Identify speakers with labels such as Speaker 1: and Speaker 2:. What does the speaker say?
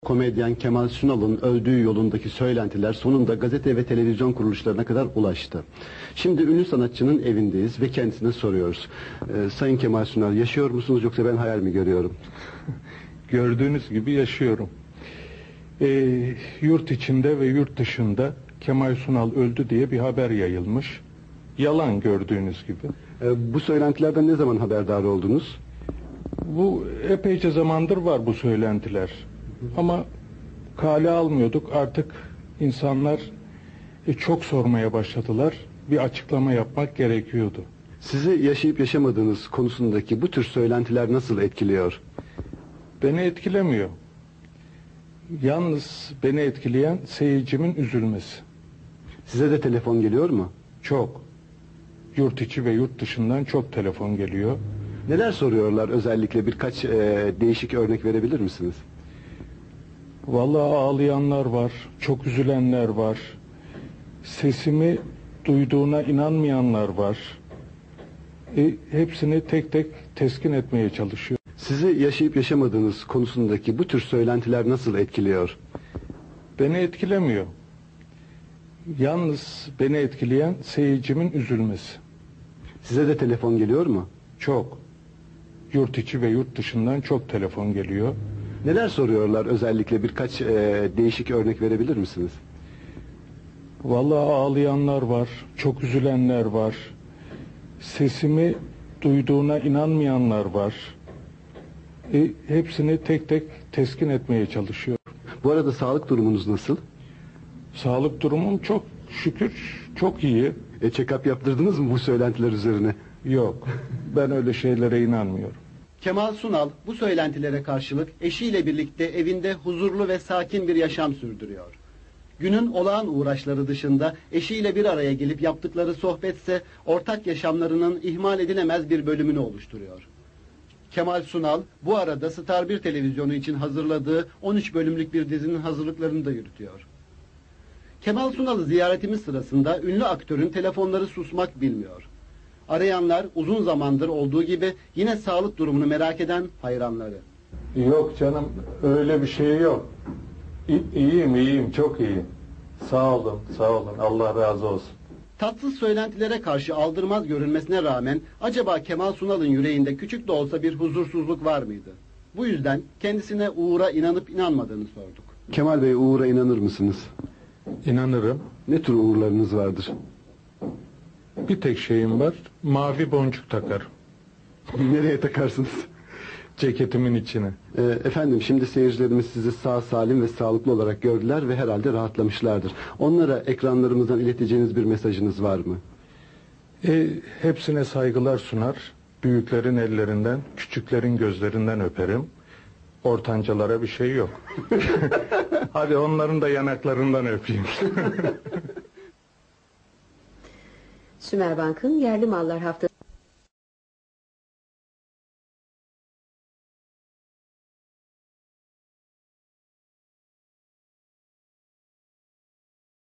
Speaker 1: Komedyen Kemal Sunal'ın öldüğü yolundaki söylentiler sonunda gazete ve televizyon kuruluşlarına kadar ulaştı. Şimdi ünlü sanatçının evindeyiz ve kendisine soruyoruz. Sayın Kemal Sunal, yaşıyor musunuz yoksa ben hayal mi görüyorum?
Speaker 2: Gördüğünüz gibi yaşıyorum. Yurt içinde ve yurt dışında Kemal Sunal öldü diye bir haber yayılmış. Yalan, gördüğünüz gibi.
Speaker 1: Bu söylentilerden ne zaman haberdar oldunuz?
Speaker 2: Bu epeyce zamandır var bu söylentiler. Ama kale almıyorduk. Artık insanlar çok sormaya başladılar. Bir açıklama yapmak gerekiyordu.
Speaker 1: Sizi yaşayıp yaşamadığınız konusundaki bu tür söylentiler nasıl etkiliyor?
Speaker 2: Beni etkilemiyor. Yalnız beni etkileyen seyircimin üzülmesi.
Speaker 1: Size de telefon geliyor mu?
Speaker 2: Çok. Yurt içi ve yurt dışından çok telefon geliyor.
Speaker 1: Neler soruyorlar, özellikle birkaç değişik örnek verebilir misiniz?
Speaker 2: Vallahi ağlayanlar var, çok üzülenler var. Sesimi duyduğuna inanmayanlar var. Hepsini tek tek teskin etmeye çalışıyor.
Speaker 1: Sizi yaşayıp yaşamadığınız konusundaki bu tür söylentiler nasıl etkiliyor?
Speaker 2: Beni etkilemiyor. Yalnız beni etkileyen seyircimin üzülmesi.
Speaker 1: Size de telefon geliyor mu?
Speaker 2: Çok. Yurt içi ve yurt dışından çok telefon geliyor.
Speaker 1: Neler soruyorlar, özellikle birkaç değişik örnek verebilir misiniz?
Speaker 2: Vallahi ağlayanlar var, çok üzülenler var. Sesimi duyduğuna inanmayanlar var. Hepsini tek tek teskin etmeye çalışıyor.
Speaker 1: Bu arada sağlık durumunuz nasıl?
Speaker 2: Sağlık durumum çok şükür çok iyi.
Speaker 1: Check-up yaptırdınız mı bu söylentiler üzerine?
Speaker 2: Yok, ben öyle şeylere inanmıyorum.
Speaker 3: Kemal Sunal bu söylentilere karşılık eşiyle birlikte evinde huzurlu ve sakin bir yaşam sürdürüyor. Günün olağan uğraşları dışında eşiyle bir araya gelip yaptıkları sohbetse ortak yaşamlarının ihmal edilemez bir bölümünü oluşturuyor. Kemal Sunal bu arada Star 1 televizyonu için hazırladığı 13 bölümlük bir dizinin hazırlıklarını da yürütüyor. Kemal Sunal'ı ziyaretimiz sırasında ünlü aktörün telefonları susmak bilmiyor. Arayanlar uzun zamandır olduğu gibi yine sağlık durumunu merak eden hayranları.
Speaker 2: Yok canım, öyle bir şey yok. İyiyim, çok iyiyim. Sağ olun, Allah razı olsun.
Speaker 3: Tatsız söylentilere karşı aldırmaz görünmesine rağmen acaba Kemal Sunal'ın yüreğinde küçük de olsa bir huzursuzluk var mıydı? Bu yüzden kendisine Uğur'a inanıp inanmadığını sorduk.
Speaker 1: Kemal Bey, Uğur'a inanır mısınız?
Speaker 2: İnanırım.
Speaker 1: Ne tür uğurlarınız vardır?
Speaker 2: Bir tek şeyim var, mavi boncuk takarım.
Speaker 1: Nereye takarsınız?
Speaker 2: Ceketimin içine.
Speaker 1: Efendim, şimdi seyircilerimiz sizi sağ salim ve sağlıklı olarak gördüler ve herhalde rahatlamışlardır. Onlara ekranlarımızdan ileteceğiniz bir mesajınız var mı?
Speaker 2: Hepsine saygılar sunar. Büyüklerin ellerinden, küçüklerin gözlerinden öperim. Ortancalara bir şey yok. Hadi onların da yanaklarından öpeyim.
Speaker 4: Sümerbank'ın yerli mallar haftası